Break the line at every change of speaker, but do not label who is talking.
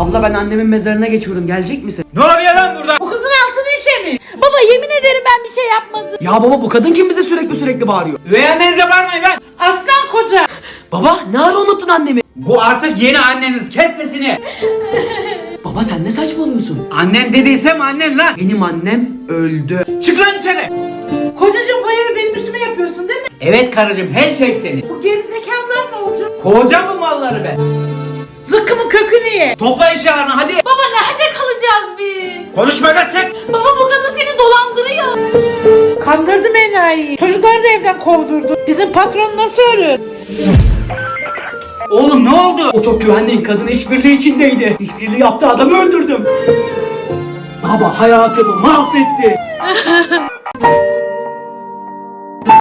Abla ben annemin mezarına geçiyorum, gelecek misin?
Ne oluyor lan burada?
Bu kızın altını işe mi?
Baba yemin ederim ben bir şey yapmadım.
Ya baba bu kadın kim bize sürekli bağırıyor?
Üvey annenize varmayın lan.
Aslan koca.
Baba ne ara unuttun annemi?
Bu artık yeni anneniz, kes sesini.
Baba sen ne saçmalıyorsun?
Annen dediysem annen lan.
Benim annem öldü.
Çık lan dışarı.
Kocacığım bu evi benim üstüme yapıyorsun değil mi?
Evet karıcığım, her şey senin.
Bu gerizekalılar ne olacak?
Kovacağım bu malları ben.
Zıkkımın kökünü ye.
Topla eşyalarını hadi.
Baba nerede kalacağız biz?
Konuşma lan sen.
Baba bu kadın seni dolandırıyor.
Kandırdım enayiyi. Çocukları da evden kovdurdu. Bizim patron nasıl ölür?
Oğlum ne oldu?
O çok güvendiğin kadın işbirliği içindeydi. İşbirliği yaptı, adamı öldürdüm. Baba hayatımı mahvetti.